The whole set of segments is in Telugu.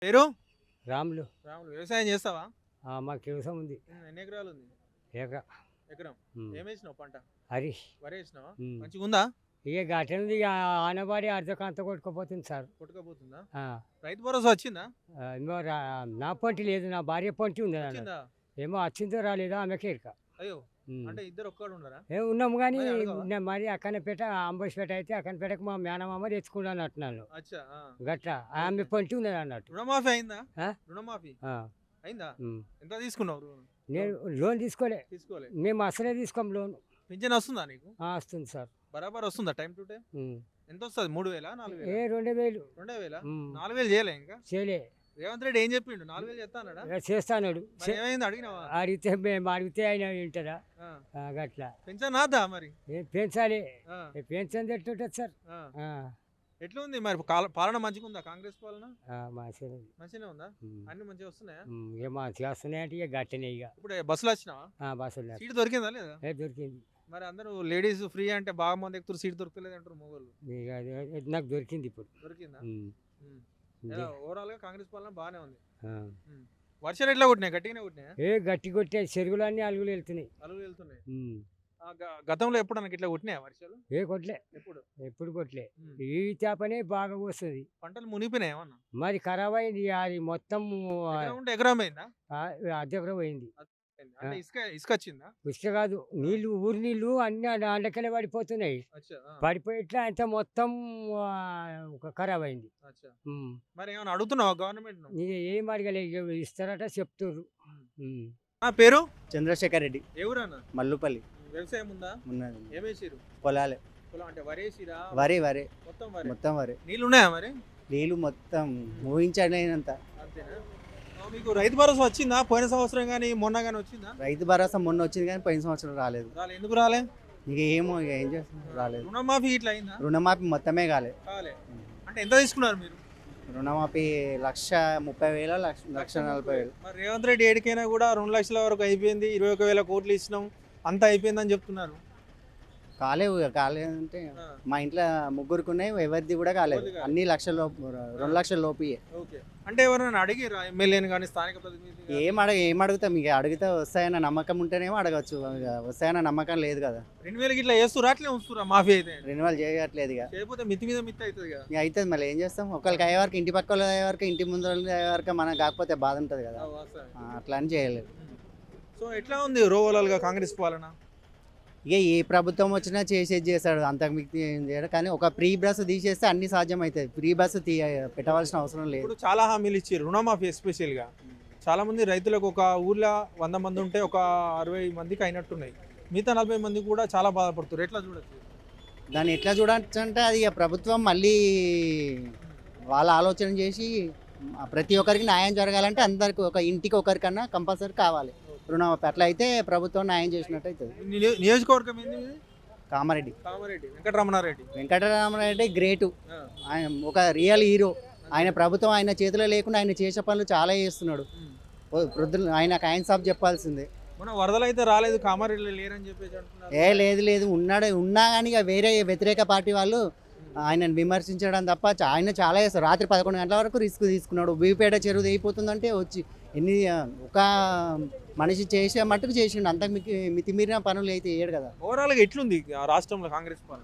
పేరు? రాములు. రాములు. వ్యవసాయం చేస్తావా? మాకు వ్యవసాయం ఉంది. ఎన్ని ఎకరాలు ఉంది? ఏక ఎకరం. ఏమేసినావు పంట? హరీష్. వరి వేసినావా? మంచిగుందా? ఇక గట్టనుంది ఇక ఆనవాడి అర్ధకంత కొట్టుకుపోతుంది సార్. కొట్టుకపోతుందా? ఆ, రైతు భరోసా వచ్చిందా? ఏమో నా పొంటి లేదు, నా భార్య పొంటి ఉంది అన్న. వచ్చిందా? ఏమో వచ్చిందో రాలేదో ఆమెకే ఇక. అయ్యో, అంటే ఇద్దరు ఒక్కడు ఉండరా? ఉన్నాము కానీ మరి అడగవా? మరి అక్కనపేట అంబోసిపేట అయితే అక్కనపేటకు మా మేనమామ తెచ్చుకున్నాను అట్టున్నాను. అచ్చా. గట్ల ఆమె పొంటి ఉన్నది అన్నట్టు. రుణమాఫీ అయిందా? ఆ? రుణమాఫీ ఆ, అయిందా? ఉమ్. ఎంత తీసుకున్నావు లోన్? నేను లోన్ తీసుకోలే, తీసుకోలే. మేము అసలే తీసుకోం లోన్. పింఛన్ వస్తుందా నీకు? వస్తుంది సార్. బరాబర్ వస్తుందా టైం టు టైం? ఉమ్. ఎంత వస్తుంది? 3,000 4,000? 2000. 2,000? ఉమ్. 4,000 చేయలే ఇంకా? చేయలే. రేవంత్ రెడ్డి ఏం చెప్పిండు? 4,000 చేస్తా అన్నాడా? ఇక చేస్తాడు. మరి ఏమైంది అడిగినావా? అడిగితే మేము అడిగితే ఆయన వింటారా? ఆ. గట్లా పెన్షన్ రాదా మరి? పెంచాలి. ఆ. పెన్షన్ ఎట్టుంటుంది సార్? ఆ. ఎట్లా ఉంది మరి పాలన మంచిగా ఉందా? కాంగ్రెస్ పాలన మంచిగా. మంచిగానే ఉందా? అన్ని మంచిగా వస్తున్నాయా? ఇక మంచిగా వస్తున్నాయంటే ఇక గట్టనే ఇక. ఇప్పుడు బస్సులు వచ్చినావా? బస్సులు సీట్ దొరికిందా లేదా? దొరికింది. మరి అందరూ లేడీస్ ఫ్రీ అంటే బాగా మంది ఎక్కుతారు, సీట్ దొరకలేదు అంటారు మొగోళ్ళు. ఇక నాకు దొరికింది ఇప్పుడు. దొరికిందా? ఇదే. ఓవరాల్ గా కాంగ్రెస్ పాలన బాగానే ఉంది. ఆ. వర్షాలు ఎట్లా కొట్టినాయి? గట్టిగానే కొట్టినాయా? గట్టి కొట్టే చెరువులు అన్ని అలుగులు వెళ్తున్నాయి. అలుగులు వెళ్తున్నాయి. గతంలో ఎప్పుడు నాకు ఇట్లా కొట్టినాయా వర్షాలు? కొట్లే, ఎప్పుడు? ఎప్పుడు కొట్లే. ఈ చేపనే బాగా వస్తుంది. పంటలు మునిగిపోయినాయి ఏమన్నా? మరి ఖరాబ్ అయింది అది మొత్తం. ఎకరం అయిందా? అద్దెకరం పోయింది. అంటే ఇసుక వచ్చిందా? ఇసుక కాదు, నీళ్లు, ఊరి నీళ్లు అన్ని అండకెళ్ళి పడిపోతున్నాయి. అచ్చా. పడిపోయి ఇట్లా అంత మొత్తం ఖరాబ్ అయింది. అచ్చా. మరి ఏమైనా అడుగుతున్నావా గవర్నమెంట్? ఏం అడగలే, ఇక ఇస్తారట చెప్తుర్రు. పేరు? చంద్రశేఖర్ రెడ్డి. ఎవరన్నా? మల్లుపల్లి. వ్యవసాయం ఉందా? ఉన్నది. ఏమేసిరు? పొలాలే. పొలం అంటే వరేసిరా? వరి మొత్తం వరి. నీళ్ళు ఉన్నాయా మరి? నీళ్ళు మొత్తం ఊహించలేనంత. అంతేనా? మీకు రైతు భరోసా వచ్చిందా? పోయిన సంవత్సరం కానీ మొన్న కానీ వచ్చిందా? రైతు భరోసా మొన్న వచ్చింది కానీ పోయిన సంవత్సరం రాలేదు. ఎందుకు రాలే? ఇక ఏమో ఇక ఏం చేస్తాం, రాలేదు. రుణమాఫీ ఇట్లా అయిందా? రుణమాఫీ మొత్తమే కాలే. అంటే ఎంత తీసుకున్నారు మీరు? రుణమాఫీ 1,30,000, 1,40,000. మరి రేవంత్ రెడ్డి ఏడికైనా కూడా 2 లక్షల వరకు అయిపోయింది, 21,000 కోట్లు ఇచ్చినాం, అంతా అయిపోయిందని చెప్తున్నారు. కాలేదంటే మా ఇంట్లో ముగ్గురికి ఉన్నాయి, ఎవరిది కూడా కాలేదు. అన్ని 2 లక్షల లోపు. అంటే ఎవరైనా అడిగిరా ఎమ్మెల్యేని కానీ స్థానిక ప్రతినిధి? ఏం అడుగుతాం, ఇక అడిగితే వస్తాయన్న నమ్మకం ఉంటేనేమో అడగచ్చు, వస్తాయన్న నమ్మకం లేదు కదా. 2,000 ఇట్లా వేస్తురా? అట్లే వస్తురా మాఫీ అయితే? రెన్యువల్ చేయట్లేదు ఇక. చేయకపోతే మితి మీద మిత్తి అవుతుంది కదా. ఇక అవుతుంది, మళ్ళీ ఏం చేస్తాం. ఒకరికి అయ్యే వరకు, ఇంటి పక్క వాళ్ళు అయ్యే వరకు, ఇంటి ముందు వాళ్ళు అయ్యే వరకు మనకు కాకపోతే బాధ ఉంటుంది కదా. అట్లా అని చేయలేదు. సో ఎట్లా ఉంది ఓవరాల్గా కాంగ్రెస్ పాలన? ఇక ఏ ప్రభుత్వం వచ్చినా చేసేది చేస్తాడు, అంతకు మిక్తి ఏం చేయడు. కానీ ఒక ఫ్రీ బస్ తీసేస్తే అన్ని సాధ్యం అవుతుంది. ఫ్రీ బస్సు పెట్టవలసిన అవసరం లేదు. ఇప్పుడు చాలా హామీలు ఇచ్చారు, రుణమాఫీ ఎస్పెషల్గా. చాలా మంది రైతులకు ఒక ఊర్లో 100 మంది ఉంటే ఒక 60 మందికి అయినట్టున్నాయి, మిగతా 40 మంది కూడా చాలా బాధపడుతారు. ఎట్లా చూడచ్చు దాన్ని? ఎట్లా చూడచ్చు అంటే అది ఇక ప్రభుత్వం మళ్ళీ వాళ్ళ ఆలోచన చేసి ప్రతి ఒక్కరికి న్యాయం జరగాలంటే అందరికి, ఒక ఇంటికి ఒకరికన్నా కంపల్సరీ కావాలి రుణమాఫీ. అట్లా అయితే ప్రభుత్వం న్యాయం చేసినట్టు అవుతుంది. నియోజకవర్గం ఏంది? కామారెడ్డి. వెంకటరమణారెడ్డి గ్రేటు, ఆయన ఒక రియల్ హీరో. ఆయన ప్రభుత్వం ఆయన చేతిలో లేకుండా ఆయన చేసే పనులు చాలా చేస్తున్నాడు. ఆయన సాబ్ చెప్పాల్సిందే. మన వరదలు అయితే రాలేదు, కామారెడ్డిలో లేరని చెప్పేసి అంటున్నారు. లేదు ఉన్నా కానీ ఇక వేరే వ్యతిరేక పార్టీ వాళ్ళు ఆయనను విమర్శించడం తప్ప ఆయన చాలా చేస్తారు. రాత్రి 11 గంటల వరకు రిస్క్ తీసుకున్నాడు. బీపేట చెరువు అయిపోతుందంటే వచ్చి ఒక మనిషి చేసే మట్టుకు చేసిండు, అంత మితిమీరిన పనులు అయితే చేయడు కదా. ఓవరాల్గా ఎట్లుంది రాష్ట్రంలో కాంగ్రెస్ పాలన?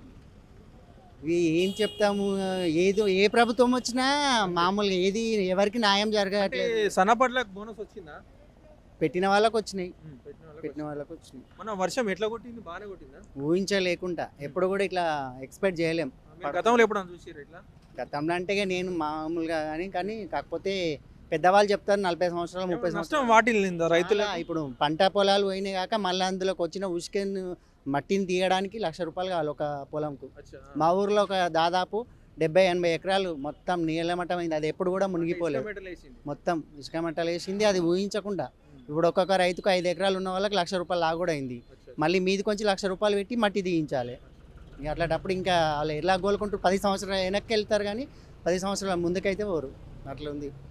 ఏం చెప్తాము, ఏ ప్రభుత్వం వచ్చినా మామూలుగా ఏది ఎవరికి న్యాయం జరగట్లేదు. సన్నపట్లకు బోనస్ వచ్చిందా? పెట్టిన వాళ్ళకి వచ్చినాయి. మన వర్షం ఎట్లా కొట్టింది? బాగానే కొట్టిందా? ఊహించలేకుండా ఎప్పుడు కూడా ఇట్లా ఎక్స్పెక్ట్ చేయలేం. గతంలో ఎప్పుడు చూసారు ఇట్లా? గతంలో అంటే నేను మామూలుగా కానీ కాకపోతే పెద్దవాళ్ళు చెప్తారు 40 సంవత్సరాలు 30 సంవత్సరాలు వాటిల్లిందా రైతులు? ఇప్పుడు పంట పొలాలు పోయినాయి కాక మళ్ళీ అందులోకి వచ్చిన ఉసుకెన్ మట్టిని తీయడానికి ₹1,00,000 కావాలి ఒక పొలంకు. మా ఊర్లో ఒక దాదాపు 70-80 ఎకరాలు మొత్తం నీళ్ళమట్టం అయింది. అది ఎప్పుడు కూడా మునిగిపోలేదు, మొత్తం ఇసుక మట్టలు వేసింది. అది ఊహించకుండా ఇప్పుడు ఒక్కొక్క రైతుకు 5 ఎకరాలు ఉన్న వాళ్ళకి ₹1,00,000 లాగా కూడా అయింది. మళ్ళీ మీది కొంచెం ₹1,00,000 పెట్టి మట్టి తీయించాలి. ఇక అట్లాంటప్పుడు ఇంకా వాళ్ళు ఎలా కోలుకుంటూ 10 సంవత్సరాలు వెనక్కి వెళ్తారు కానీ 10 సంవత్సరాల ముందుకైతే పోరు. అట్లా ఉంది.